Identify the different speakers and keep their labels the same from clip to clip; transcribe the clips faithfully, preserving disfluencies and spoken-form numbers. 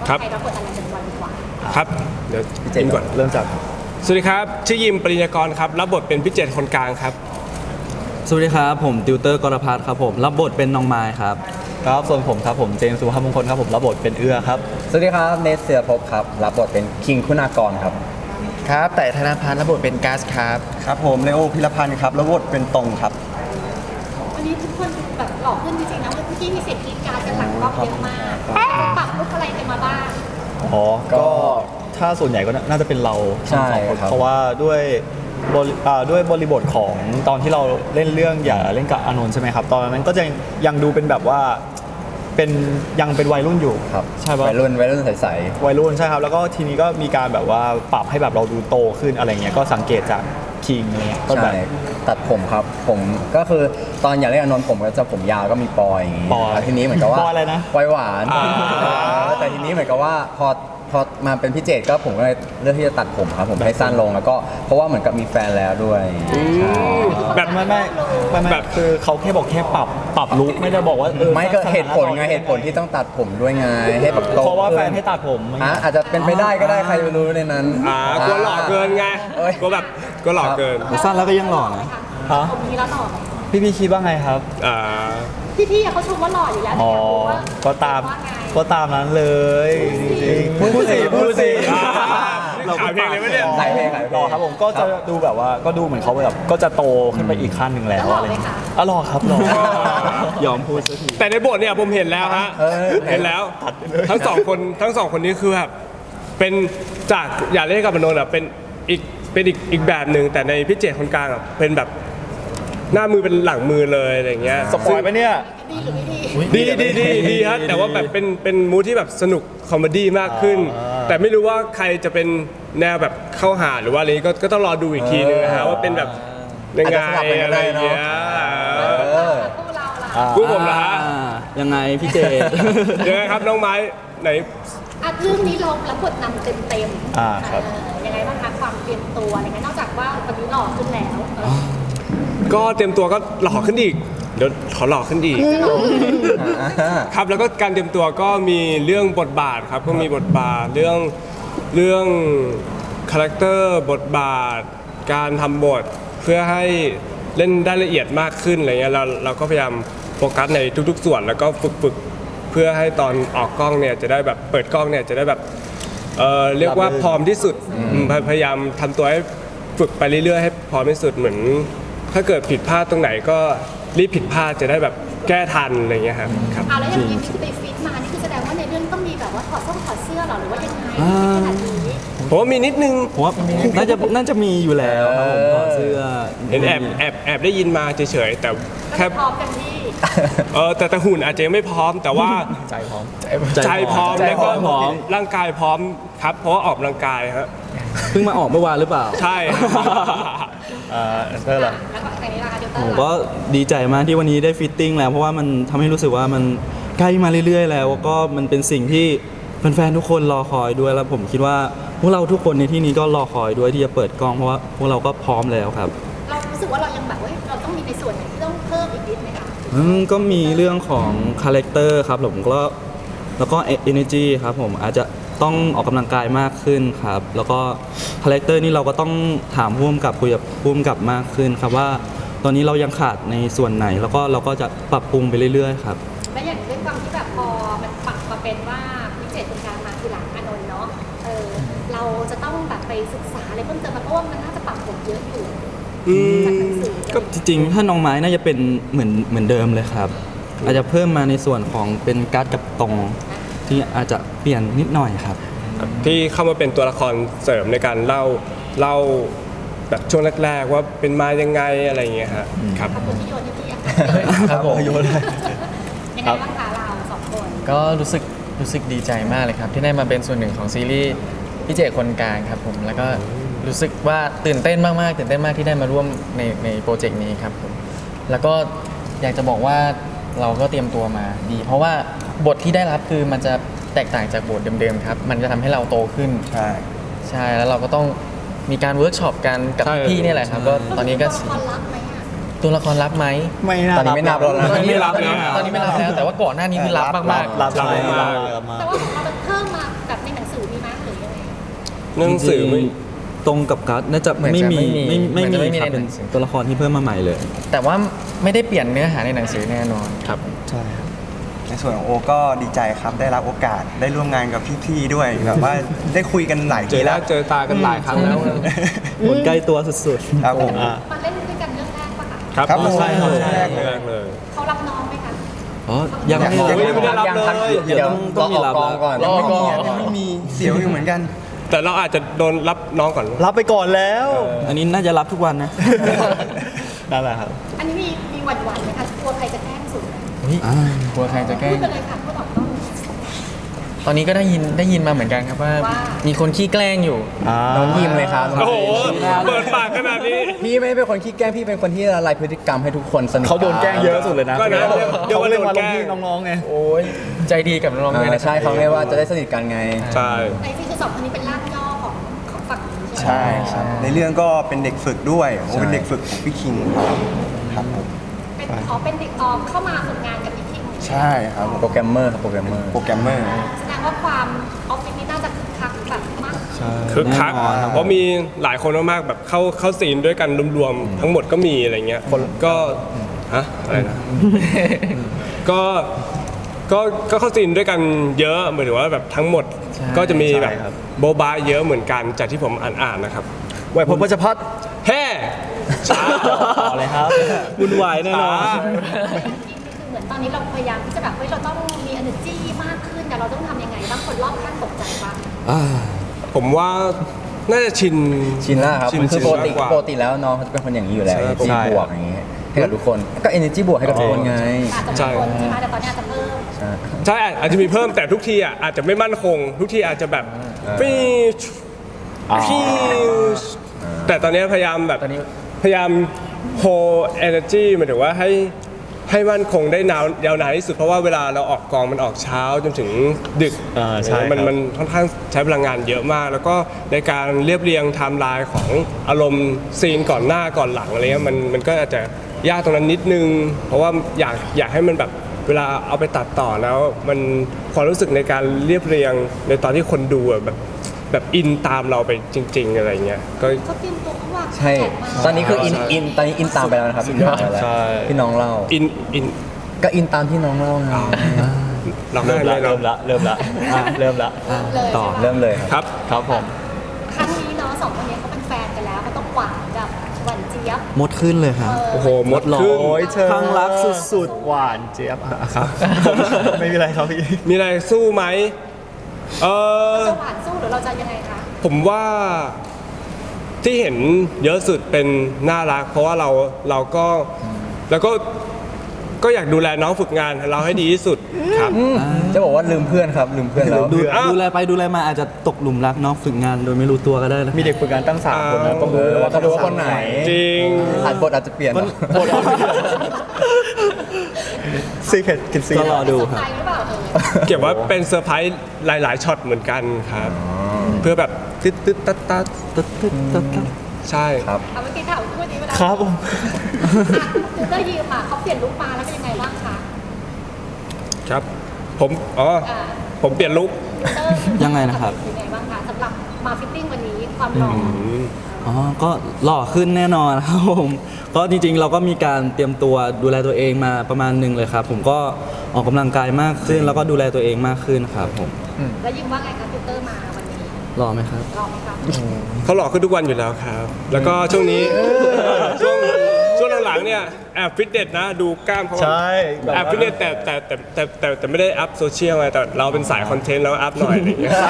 Speaker 1: ว่าใครรับบทอะไรเป็นวันดีกว่า
Speaker 2: ครับเดี๋ยวเจนก่อน
Speaker 3: เริ่มจาก
Speaker 2: สวัสดีครับชื่อยิมปริญญากรครับรับบทเป็นพี่เจตคนกลางครับ
Speaker 4: สวัสดีครับผมติวเตอร์กรพัฒน์ครับผมรับบทเป็นน้องไม้ครับ
Speaker 3: ครับส่วนผมครับผมเจมส์สุภาพมงคลครับผมรับบทเป็นเอื้อครับ
Speaker 5: สวัสดีครับเนสเสือภพครับรับบทเป็นคิงคุณากรครับ
Speaker 6: ครับแต่ธนพัฒน์รับบทเป็นก๊าซครับ
Speaker 3: ครับผมเลโอพิรพันธ์ครับรับบทเป็นตรงครับ
Speaker 1: วันนี้ทุกคนแบบหล่อขึ้นจริงๆนะเมื่อกี้มีเสียงกรี๊ดกราร์ดกันหลังกล้องเยอะมากปรับลุคอะไรกันมาบ้าง
Speaker 3: อ๋อก็ถ้าส่วนใหญ่ก็น่าจะเป็นเราทั้งสองคนเพราะว่าด้วยบริด้วยบริบทของตอนที่เราเล่นเรื่องอย่าเล่นกับอานนท์ใช่ไหมครับตอนนั้นก็จะยังดูเป็นแบบว่าเป็นยังเป็นวัยรุ่นอยู่
Speaker 5: ครับ
Speaker 3: ใช่ป่ะ
Speaker 5: วัยรุ่นวัยรุ่นใส
Speaker 3: ๆวัยรุ่นใช่ครับแล้วก็ทีนี้ก็มีการแบบว่าปรับให้แบบเราดูโตขึ้นอะไรเงี้ยก็สังเกตจากคิงเนี่ยก็แบบ
Speaker 5: ตัดผมครับผมก็คือตอนอย่าเล่นอานนท์ผมก็จะผมยาวก็มีปอยอย่างงี้ทีนี้เหมือนกับว่า
Speaker 3: ปอยอะไรนะ
Speaker 5: ปอยหวานแต่ทีนี้เหมือนกับว่าพอพอมาเป็นพี่เจตก็ผมก็เลยเลือกที่จะตัดผมครับผมให้สั้นลงแล้วก็เพราะว่าเหมือนกับมีแฟนแล้วด้วย
Speaker 3: แบบไม่ไม่ไม่แบบคือเขาแค่บอกแค่ปรับปรับลุคไม่ได้บอกว่าเออ
Speaker 5: ไม่ก็เหตุผลไงเหตุผลที่ต้องตัดผมด้วยไงให้แบบโต
Speaker 3: เพราะว่าแฟนให้ตัดผม
Speaker 5: อ่ะอาจจะเป็นไปได้ก็ได้ใครไม่รู้ในนั้น
Speaker 2: อ่ากลัวหล่อเกินไงกลัวแบบกลัวหล่อเกิน
Speaker 4: สั้นแล้วก็ยังหล่อนะ
Speaker 1: ฮะผมนี้แล้วหล่อ
Speaker 3: พี่พี่คิดว่าไงครับ
Speaker 2: อ่า
Speaker 1: พี่ๆเขาชมว่าหล่ออยู่แล้ว
Speaker 3: อ๋อก็ตามก็ตามนั้นเลย
Speaker 2: พูดสิพูดสิ
Speaker 3: เรา
Speaker 2: ขายเพลงเลยไหมเนี่ย
Speaker 5: ขายเพลงขายเพลง
Speaker 3: ครับผมก็จะดูแบบว่าก็ดูเหมือนเขาแบบก็จะโตขึ้นไปอีกขั้นหนึ่งแล้วอะไรอ๋อรอครับรอยอมพูดสักที
Speaker 2: แต่ในบทเนี่ยผมเห็นแล้วฮะเห็นแล้วทั้งสองคนทั้งสองคนนี้คือแบบเป็นจากอย่าเล่นกับมโนนอ่ะเป็นอีกเป็นอีกอีกแบบหนึ่งแต่ในพี่เจตคนกลางอ่ะเป็นแบบหน้ามือเป็นหลังมือเลยอะไรเงี้ย
Speaker 3: สปอยล์ไหมเนี่ย
Speaker 1: ดีหรือไม่ดี
Speaker 2: ดีดีดีดีฮะแต่ว่าแบบเป็นเป็นมูทที่แบบสนุกคอมเมดี้มากขึ้นแต่ไม่รู้ว่าใครจะเป็นแนวแบบเข้าหาหรือว่าอะไรก็ก็ต้องรอดูอีกทีนึงนะฮะว่าเป็นแบบยังไงอะไรเงี้ย
Speaker 1: คู่เราล่ะ
Speaker 2: คู่ผมเหรอฮะ
Speaker 4: ยังไงพี่เจ
Speaker 2: ยังไงครับน้องไม้ไหน
Speaker 1: อ่ะเรื่องนี้เรารับบทนำเต็มเต็ม
Speaker 3: อ่าครับ
Speaker 1: ยังไงบ้างคะความเตรียมตัวอะไรเงี้ยนอกจากว่าตอนนี้หล่อขึ้นแล้ว
Speaker 2: ก็เตรียมตัวก็หล่อขึ้นอีกเดี๋ยวขอหล่อขึ้นอีกครับแล้วก็การเตรียมตัวก็มีเรื่องบทบาทครับก็มีบทบาทเรื่องเรื่องคาแรคเตอร์บทบาทการทำบทเพื่อให้เล่นได้ละเอียดมากขึ้นอะไรเงี้ยเราเราก็พยายามโฟกัสในทุกๆส่วนแล้วก็ฝึกฝึกเพื่อให้ตอนออกกล้องเนี่ยจะได้แบบเปิดกล้องเนี่ยจะได้แบบเออเรียกว่าพร้อมที่สุดพยายามทำตัวให้ฝึกไปเรื่อยๆให้พร้อมที่สุดเหมือนถ้าเกิดผิดพลาดตรงไหนก็รีบผิดพลาดจะได้แบบแก้ทันอะไรเงี้ยครับครับ
Speaker 1: เอาแล้วอย่างนี้ที่ไปฟิตมานี่คือแสดงว่าในเรื่องต้องมีแบบว่าถอดส้นถอดเสื้อหรอหรือว่ายังไงขนาดนี้
Speaker 2: ผมว่ามีนิดนึง
Speaker 4: ผมว่าน่าจะน่าจะมีอยู่แล้วครับผมถอดเสื้อ
Speaker 2: เห็นแอบแอบแอบได้ยินมาเฉยๆแต่แค่
Speaker 1: พร้อมกันที่
Speaker 2: เออแต่แต่หุ่นอาจจะยังไม่พร้อมแต่ว่า
Speaker 3: ใจพร้อม
Speaker 2: ใจพร้อมแล้วก็ร่างกายพร้อมครับเพราะว่าออกกำลังกายครับ
Speaker 4: เพิ่งมาออกเมื่อวานหรือเปล่า
Speaker 2: ใช่
Speaker 3: อ่าเท่าไหร่
Speaker 4: ผมก็ดีใจมากที่วันนี้ได้ฟิตติ้งแล้วเพราะว่ามันทำให้รู้สึกว่ามันใกล้มาเรื่อยๆแล้วก็มันเป็นสิ่งที่แฟนๆทุกคนรอคอยด้วยแล้วผมคิดว่าพวกเราทุกคนในที่นี้ก็รอคอยด้วยที่จะเปิดกล้องเพราะว่าพวกเราก็พร้อมแล้วครับ
Speaker 1: เรารู้สึกว่าเรายังแบบว่าเราต้องมีในส่วนไหนที่ต้องเพิ่มอีกนิดไหมคะ
Speaker 4: อืมก็มีเรื่องของคาแรคเตอร์ครับผมก็แล้วก็ energy ครับผมอาจจะต้องออกกำลังกายมากขึ้นครับแล้วก็คาแรคเตอร์นี่เราก็ต้องถามผู้กำกับคุยกับผู้กำกับมากขึ้นครับว่าตอนนี้เรายังขาดในส่วนไหนแล้วก็เราก็จะปรับปรุงไปเรื่อยๆครับ
Speaker 1: และอย่างด้วยความที่แบบพอมันปรับมาเป็นว่าพิเศษเป็นการมาทีหลังอานนท์เนาะเออเราจะต้องแบบไปศึกษาอะไรเพิ่มเติมเพราะว่ามันน่าจะปรับผมเยอะอยู่จากหนังสือ
Speaker 4: ก็จริงๆถ้าน้องไม้น่าจะเป็นเหมือนเหมือนเดิมเลยครับอาจจะเพิ่มมาในส่วนของเป็นการ์ดกับตรงที่อาจจะเปลี่ยนนิดหน่อยครับ
Speaker 2: ที่เข้ามาเป็นตัวละครเสริมในการเล่าเล่าแบบช่วงแรกๆว่าเป็นมายังไงอะไรอย่างเงี้ยครับครับ
Speaker 1: ขอบคุณที่โยนที่พี่
Speaker 3: ครับผมโยนเลย
Speaker 1: ยังไงบ้างคะเราสองคน
Speaker 6: ก็รู้สึกรู้สึกดีใจมากเลยครับที่ได้มาเป็นส่วนหนึ่งของซีรีส์พี่เจตคนกลางครับผมแล้วก็รู้สึกว่าตื่นเต้นมากๆตื่นเต้นมากที่ได้มาร่วมในในโปรเจกต์นี้ครับผมแล้วก็อยากจะบอกว่าเราก็เตรียมตัวมาดีเพราะว่าบทที่ได้รับคือมันจะแตกต่างจากบทเดิมๆครับมันจะทำให้เราโตขึ้น
Speaker 3: ใช่
Speaker 6: ใช่แล้วเราก็ต้องมีการเวิร์กช็อปกันกับพี่นี่แหละครับก็ตอนนี้ก็ตัวละครรับไหม
Speaker 3: ไม่นับ
Speaker 5: ตอนนี้ไม่นับแล้ว
Speaker 6: ตอนนี้ไม่รับแล้วตอนนี้ไม่รับแล้วแต่ว่าก่อนหน้านี้คือรับมากๆ
Speaker 3: รับมาก
Speaker 1: แต่ว่าของเราเพิ่มมา
Speaker 2: เรื่องหนังสือไม่
Speaker 4: จริงๆตรงกับการ์ดน่าจะ
Speaker 6: เหมือน
Speaker 4: ไม่
Speaker 6: จะ
Speaker 4: มี
Speaker 6: ไม่มี
Speaker 4: ไม่ไม่
Speaker 6: เหมือนจะไม่
Speaker 4: มี
Speaker 6: มี
Speaker 4: ครับ
Speaker 6: ในห
Speaker 4: เป็
Speaker 6: นั
Speaker 4: น
Speaker 6: งสือ
Speaker 4: ตัวละครที่เพิ่มมาใหม่เลย
Speaker 6: แต่ว่าไม่ได้เปลี่ยนเนื้อหาในหนังสือแน่นอนครับ
Speaker 3: ใช่ครับ
Speaker 7: ในส่วนของโอก็ดีใจครับได้รับโอกาสได้ร่วมงานกับพี่ๆด้วยแบบว่าได้คุยกันหลาย
Speaker 2: เจ
Speaker 7: ที
Speaker 2: อห
Speaker 7: แล้
Speaker 2: น้าว เจอตากันหลายครั้งแล้ว
Speaker 4: คนใกล้ตัวสุด
Speaker 7: ครับผม
Speaker 3: อ่า
Speaker 1: มาเล่นด้วยกันเรื่องแรกปะคะ
Speaker 2: ครับ
Speaker 7: ครับผม
Speaker 2: ใช่ครับ
Speaker 7: ใช่
Speaker 2: แรกเลยแรกเลย
Speaker 1: เขารับน้องไหมคะ
Speaker 4: ๆอ๋อยังไม่
Speaker 2: ยังไม่ได้รับ
Speaker 5: ยัง
Speaker 2: เลย
Speaker 5: ทัน
Speaker 4: เดี๋ยวต้องต้องมีรับ
Speaker 5: รอออกกองก่อน
Speaker 6: รอ
Speaker 7: ไม่
Speaker 6: ก่
Speaker 7: มี
Speaker 6: อน
Speaker 7: อ่ะยังไม่มีเสียวอยู่เหมือนกัน
Speaker 2: แต่เราอาจจะโดนรับน้องก่อน
Speaker 3: รับไปก่อนแล้ว
Speaker 4: อันนี้น่าจะรับทุกวันนะ
Speaker 3: นั่นแหละครับ
Speaker 1: อันนี้มีมีหวั่นๆไหมคะกลัวใครจะแกล้งสุด
Speaker 6: กลัวใครจะแกล้
Speaker 1: พู
Speaker 6: ง
Speaker 1: ดไปเลยค่ะพูดออกต้อง
Speaker 6: ตอนนี้ก็ได้ยินได้ยินมาเหมือนกันครับว่า
Speaker 1: ว่า
Speaker 6: มีคนขี้แกล้งอยู่
Speaker 5: น้องยิมเลยครับ
Speaker 2: โอ้โหเปิดปากขนาดนี้
Speaker 5: พี่ไม่ได้เป็นคนขี้แกล้งพี่เป็นคนที่ละลายพฤติกรรมให้ทุกคนสนุก
Speaker 3: เขาโดนแกล้งเยอะสุดเลยนะ
Speaker 2: ก็นะเดี๋ยว
Speaker 3: เขา
Speaker 2: ว่า
Speaker 3: เรียก
Speaker 2: โดน
Speaker 3: ว่า
Speaker 2: แก
Speaker 3: ล
Speaker 2: ล้
Speaker 3: ง
Speaker 2: ง
Speaker 3: พี่น้องๆไง
Speaker 6: โอ้ยใจดีกับน้องๆด้วย
Speaker 5: อ่า
Speaker 6: นะ
Speaker 5: ใช่เขาเรียกว่าจะได้สนิทกันไง
Speaker 2: ใช่
Speaker 1: ในที่คือสองคนนี้เป็นร่างย่อของของฝั่งนี้ใช่ไหม
Speaker 7: ใช่ครับในเรื่องก็เป็นเด็กฝึกด้วยโอเป็นเด็กฝึกของพี่คิงครับครับผม
Speaker 1: เป็นอ๋อเป็นเด็กออมเข้ามาฝึกงานกับพี่คิง
Speaker 7: ใช่ครับผม
Speaker 5: โปรแกรมเมอร์ครับโปรแกรมเมอร์
Speaker 7: โปรแกรมเมอร์
Speaker 1: แสดงว่าความออฟฟิศนี่น่าจะคึกคักแบบมาก
Speaker 2: คึกคัก
Speaker 4: แน่นอนครับ
Speaker 2: เพราะมีหลายคนมากๆแบบเข้าเข้าซีนด้วยกันรวมๆทั้งหมดก็มีอะไรเงี้ยคนก็ฮะอะไรนะ ก็ก็ก็เข้าซีนด้วยกันเยอะเหมือนว่าแบบทั้งหมดก็จะมีแบบ
Speaker 3: ใช่ครับ
Speaker 2: โบบาเยอะเหมือนกันจากที่ผมอ่านๆนะครับ
Speaker 3: ไหวพลวัชพัฒน์
Speaker 2: แฮ่ช้า
Speaker 3: เอาเลยครับ
Speaker 4: วุ่นวายแน่นอน
Speaker 2: ช้า
Speaker 1: คือเหมือนตอนนี้เราพยายามที่จะแบบเฮ้ยเราต้องมี energy มากขึ้นแต่เราต้องทำยังไงบ้างคนรอบข้างตกใจปะ
Speaker 4: อ่า
Speaker 2: ผมว่าน่าจะชิน
Speaker 5: ชินแล้วครับ
Speaker 2: ชิน
Speaker 5: มันคือปกติ
Speaker 2: ชินมากกว่า
Speaker 5: ปกติแล้วน้องเขาจะเป็นคนอย่างนี้อยู่แล้ว
Speaker 2: ใช่
Speaker 5: energy
Speaker 3: ใช่
Speaker 5: บวกอย่างนี้ให้กับทุกคนก็ energy บวกให้กับทุกคนไง
Speaker 1: อาจจะมีคนใช่ไหมแต่ตอนนี้อาจจะเพิ่ม
Speaker 5: ใช่
Speaker 2: ใช่อาจจะมีเพิ่มแต่ทุกทีอ่ะอาจจะไม่มั่นคง ทุกทีอาจจะแบบฟีชฟีชแต่ตอนนี้พยายามแบบ
Speaker 6: ตอนนี้
Speaker 2: พยายาม hold energy หมายถึงว่าให้ให้มั่นคงได้นานยาวนานที่สุดเพราะว่าเวลาเราออกกองมันออกเช้าจนถึงดึก
Speaker 3: อ่าใช่ครับ
Speaker 2: มันมันค่อนข้างใช้พลังงานเยอะมาก แล้วก็ในการเรียบเรียงไทม์ไลน์ของอารมณ์ซีนก่อนหน้าก่อนหลังอะไรเงี้ยมันมันก็อาจจะยากตรงนั้นนิดนึง เพราะว่าอยากอยากให้มันแบบเวลาเอาไปตัดต่อแล้ว มันความรู้สึกในการเรียบเรียงในตอนที่คนดูอะแบบแบบอินตามเราไปจริง ๆ อะไรเงี้ยก็
Speaker 1: เขาเตรียมตัวเขาวาง
Speaker 5: ใช่
Speaker 1: แผนมา
Speaker 5: ตอนนี้คืออินอินตอนนี้อินตามไปแล้วนะครับอินตามไปแล้ว
Speaker 3: ใช่
Speaker 5: พี่น้องเล่า
Speaker 2: อินอิน
Speaker 5: ก็อินตามที่น้องเล่าไง
Speaker 2: เรา
Speaker 3: เริ่
Speaker 2: ให้
Speaker 3: ม
Speaker 2: เล
Speaker 3: ละ
Speaker 2: ย
Speaker 3: เริ่มละเริ่มละอ่ะเริ่มละ
Speaker 1: เลย
Speaker 4: ต่อ
Speaker 5: เริ่มเลยครับ
Speaker 2: ครับ
Speaker 3: ครับผม
Speaker 1: ครั้งนี้เนาะสองคนนี้เขาเป็นแฟนกันแล้วเขาต้องหวานแบบหวานเจี๊ยบ
Speaker 4: มดขึ้นเลยครับ
Speaker 2: โอ้โหมด
Speaker 4: หล่อ
Speaker 2: ขึ้น
Speaker 3: โอ้ยเธอ
Speaker 4: ข้างรักสุด
Speaker 3: สุดหวานเจี๊ยบอ่ะครับ ไม่มีอะไรครับพี่
Speaker 2: มีอะไรสู้ไหมเออ
Speaker 1: จะหวานสู้หรือเราจะยังไงคะ
Speaker 2: ผมว่าที่เห็นเยอะสุดเป็นน่ารัก เพราะว่าเราเราก็แล้วก็ก็อยากดูแลน้องฝึกงานเราให้ดีที่สุดครับ
Speaker 5: จะบอกว่าลืมเพื่อนครับลืมเพื่อนแล้ว
Speaker 4: ดู
Speaker 2: อ้าว
Speaker 4: ดูแลไปดูแลมาอาจจะตกหลุมรักน้องฝึกงานโดยไม่รู้ตัวก็ได้นะ
Speaker 3: มีเด็กฝึกงานตั้งสามคนนะต้อง
Speaker 5: เอ
Speaker 3: รู้
Speaker 5: อ
Speaker 3: ว่า
Speaker 5: เขาดูว่าคนไหน
Speaker 2: จริง
Speaker 5: อาจบทอาจจะเปลี่ยน
Speaker 4: มัน
Speaker 3: บทซีเคทกินซี
Speaker 4: ก็รอดู
Speaker 1: เซอร์
Speaker 4: ค
Speaker 1: ไพ
Speaker 4: รับ
Speaker 1: รส์หรือเปล่าเออ
Speaker 2: เก็บว่าเป็นเซอร์ไพรส์หลาย ๆช็อตเหมือนกันครับ เพื่อแบบตึ๊ดตึ๊ดตัดตัด
Speaker 4: ตึ๊ดตึ๊ดตึ๊ดตึ๊ด
Speaker 2: ใช่
Speaker 5: ครับ
Speaker 1: เอาเมื่อกี้ถามพูดดีเวลา
Speaker 3: ครับผม
Speaker 1: คือได้ยืมอ่ะเขาเปลี่ยนลุคมาแล้วเป็นยังไงบ้างคะ
Speaker 2: ครับ ผมอ๋อ
Speaker 1: อ่า
Speaker 2: ผมเปลี่ยนลุค
Speaker 1: เตอร์
Speaker 4: ยังไงนะครับ
Speaker 1: เป็นยังไงบ้างคะสำหรับมาฟิตติ้งวันนี้ความหล่ออ
Speaker 4: อ๋อ ก็หล่อขึ้นแน่นอนครับผมก็จริงๆ เราก็มีการเตรียมตัวดูแลตัวเองมาประมาณหนึ่งเลยครับ ผมก็ออกกำลังกายมากขึ้น แล้วก็ดูแลตัวเองมากขึ้นครับผม
Speaker 1: แล้วยิมว่าไงคะฟิลเตอร์มาวันนี้
Speaker 4: หล่อไหมครับ
Speaker 1: ลองไหมคะ
Speaker 2: เขาหล่อขึ้นทุกวันอยู่แล้วครับ แล้วก็ช่วงนี้ช่วงช่วงหลังๆเนี่ยแอบฟิตเนสนะดูกล้ามเขา
Speaker 3: ใช่แบบ
Speaker 2: แอบฟิตเนสแต่แต่แต่แต่แต่แต่ไม่ได้อัพโซเชียลไงแต่เราเป็นสายคอนเทนต์แล้วอัพหน่อยอะไรอย่างเงี้ย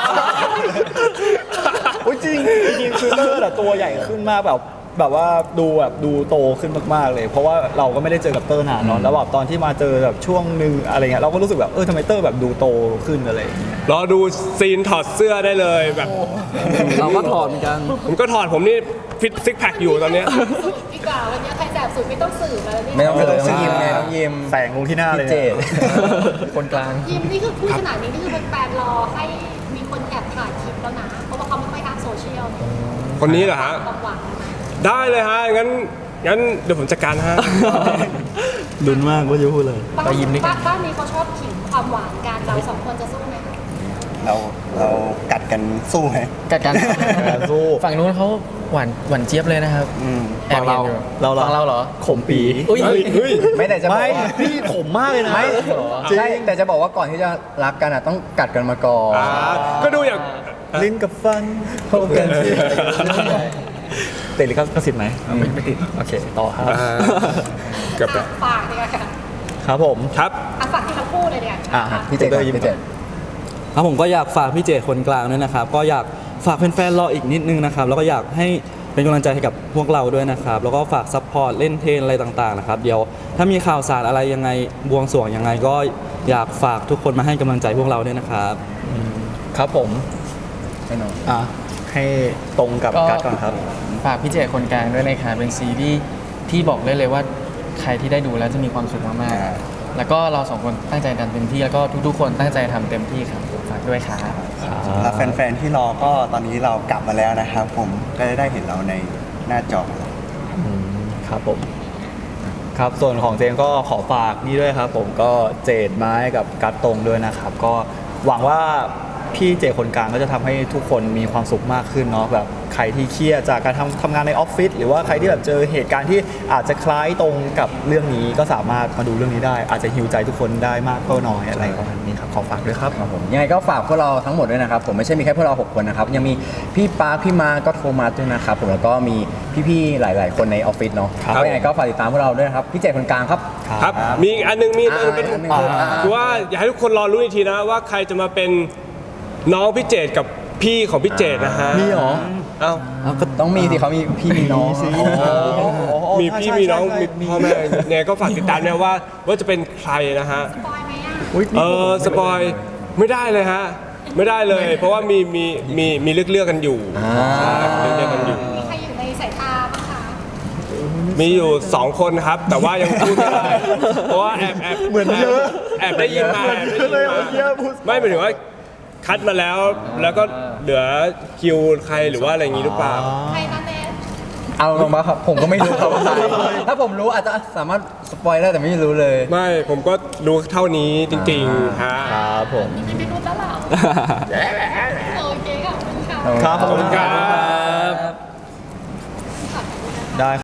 Speaker 3: โอ้ยจริงจริงคือเตอร์แต่ตัวใหญ่ขึ้นมากแบบแบบว่าดูแบบดูโตขึ้นมากๆเลย เพราะว่าเราก็ไม่ได้เจอกับเตอร์นานเนาะแล้วแบบตอนที่มาเจอแบบช่วงหนึ่งอะไรเงี้ยเราก็รู้สึกแบบเออทำไมเตอร์แบบดูโตขึ้นอะไรอย่างเงี้ย
Speaker 2: รอดูซีนถอดเสื้อได้เลยแบบ
Speaker 4: เราก็ถอดเหมือนกัน
Speaker 2: ผมก็ถอดผมนี่ฟิตซิกแพคอยู่ตอนเนี้ย
Speaker 1: สุดดีกว่าวันนี้ใครแสบสุดไม่ต้องสื่อมาแล้วนี่
Speaker 5: ไม่ต้องเลย
Speaker 3: เออ
Speaker 5: ต้องยิ้มไงต้องยิ้ม
Speaker 3: แสงลงที่หน้าเลย
Speaker 5: พี่เจด
Speaker 6: คนกลาง
Speaker 1: ยิมนี่คือพูดขนาดนี้นี่คือเป็นแฟนรอให้มีคนแอบถ่ายคลิปแล้วนะเพราะว่าเขาไม่ค่อยอัพโซเชียล
Speaker 2: คนนี้เหรอฮะ
Speaker 1: ความหวัง
Speaker 2: ได้เลยฮะงั้นงั้นเดี๋ยวผมจัดการฮะ
Speaker 4: ดุนมากว่าจะพูดเลย
Speaker 1: บ้าน
Speaker 6: ไปยิมด้วยกัน
Speaker 1: บ้านบ้านนี้เขาชอบขิงความหวานกันเราสองคนจะสู้ไหมคะ
Speaker 7: เเราเรากัดกันสู้ไหม
Speaker 6: กัดกัน
Speaker 3: การสู้
Speaker 6: ฝั่งนู้นเขาหวานหวานเจี๊ยบเลยนะครับ
Speaker 7: อืม
Speaker 6: แอบเห็นอยู่
Speaker 3: เราเรา
Speaker 6: ฝั่งเราเหรอ
Speaker 3: ขมปี
Speaker 6: อุ้ย
Speaker 5: ไม่แต่จะบอก
Speaker 3: ไม่
Speaker 5: ว่า
Speaker 3: พี่ขมมากเลยนะ
Speaker 5: ไม่
Speaker 3: จริง
Speaker 5: ใช่แต่จะบอกว่าก่อนที่จะรักกันอ่ะต้องกัดกันมาก่อน
Speaker 2: อ่าก็ดูอย่าง
Speaker 3: ลิ้นกับฟัน
Speaker 5: พบกันสิ
Speaker 3: ติดหรือก็สิทธิ์ไหมไม่ไม่ติดโอเคต่อครับ
Speaker 2: อ่าเกือบแล้ว
Speaker 1: ฝากดีกว่าค่ะ
Speaker 3: ครับผม
Speaker 2: ครับ
Speaker 1: อ่ะฝากที่ทั้งคู่เลยเนี่ย
Speaker 3: อ่ะ
Speaker 5: พี่เจก่อนพี่เจ
Speaker 4: ครับผมก็อยากฝากพี่เจคนกลางด้วยนะครับ ก็อยากฝากแฟนๆรออีกนิดนึงนะครับ แล้วก็อยากให้เป็นกำลังใจให้กับพวกเราด้วยนะครับ แล้วก็ฝากซัพพอร์ตเล่นเทรนอะไรต่างๆนะครับ เดี๋ยวถ้ามีข่าวสารอะไรยังไงบวงสรวงยังไงก็อยากฝากทุกคนมาให้กำลังใจพวกเราด้วยนะครับ
Speaker 3: ครับผม
Speaker 5: แน่นอน
Speaker 3: อ่ะให้ตรงกับ
Speaker 6: ก็
Speaker 3: กัดก่อนครับ
Speaker 6: ฝากพี่เจคนกลางด้วยนะครับเป็นซีรีส์ที่บอกได้เลยว่าใครที่ได้ดูแล้วจะมีความสุขมากๆแล้วก็เราสองคนตั้งใจทำเต็มที่แล้วก็ทุกๆ คนตั้งใจทำเต็มที่ครับฝากด้วยครับ
Speaker 7: แล้วแฟนๆที่รอก็ตอนนี้เรากลับมาแล้วนะครับ ผมก็จะได้เห็นเราในหน้าจอ
Speaker 3: ครับผม ครับส่วนของเจมส์ก็ขอฝากนี่ด้วยครับ ผมก็เจดไม้กับกัดตรงด้วยนะครับ ก็หวังว่าพี่เจคนกลางก็จะทำให้ทุกคนมีความสุขมากขึ้นเนาะแบบใครที่เครียดจากการทำทำงานในออฟฟิศหรือว่าใครที่แบบเจอเหตุการณ์ที่อาจจะคล้ายตรงกับเรื่องนี้ก็สามารถมาดูเรื่องนี้ได้ อาจจะฮิวใจทุกคนได้มากก็น้อยอะไรประมาณนี้ครับขอฝากด้วยครับ
Speaker 5: ครับผมยังไงก็ฝากพวกเราทั้งหมดด้วยนะครับผมไม่ใช่มีแค่พวกเราหกคนนะครับยังมีพี่ปาร์คพี่มาก็โทรมาด้วยนะครับผมแล้วก็มีพี่ๆหลายๆ คนในออฟฟิศเนาะ
Speaker 3: ครับ
Speaker 5: ก็ยังไงก็ฝากติดตามพวกเราด้วยนะครับพี่เจคนกลางครับ
Speaker 2: ครับ มีอีกอันหนึงมีอีกอันหนึงเป็น
Speaker 5: อ่าอันหนึ่งคืออ่า
Speaker 2: คือว่าอยากให้ทุกคนรอรู้อีกทีนะว่าใครจะมาเป็นน้องพี่เจตกับพี่ของพี่เจตนะฮะ
Speaker 3: มีเหรอ
Speaker 2: เอ้า
Speaker 5: ต้องมีสิเขามีพี่มีน้อง
Speaker 2: มีพี่มีน้องมีพ่อแม่เนี่ยก็ฝากติดตามเนี่ยว่าว่าจะเป็นใครนะฮะ
Speaker 1: ปอยไหมอ่ะ
Speaker 3: อุ๊ย
Speaker 2: เออสปอยไม่ได้เลยฮะ ไม่ได้เลย เพราะว่ามีมีมีมีเลือกเลือกๆกันอยู่ใช่เลือกเลือกๆกันอยู่
Speaker 1: มีใครอยู่ในสายตาบ้างคะ
Speaker 2: มีอยู่สองคนครับ แต่ว่ายังพูดไม่ได้ เพราะว่าแอบแอบเหมือนเยอะแอบได้ยินมาแอบได้ยินมาไม่หมายถึงว่าคัดมาแล้ว แล้วก็เหลือคิวใครหรือว่าอะไรอย่างนี้หรือเปล่า
Speaker 1: ใครนะเนท
Speaker 5: เอาลงมาครับผมก็ไม่รู้ครับว่าใครถ้าผมรู้อาจจะสามารถสปอยได้แต่ไม่รู้เลย
Speaker 2: ไม่ผมก็รู้เท่านี้จริงๆฮะ
Speaker 3: ครับผม
Speaker 1: มีไม่รู้แล้วเหรอโอเคขอบคุณค่ะ
Speaker 3: ครับขอบคุณครับ
Speaker 1: ขอบคุณนะคะ
Speaker 3: ได้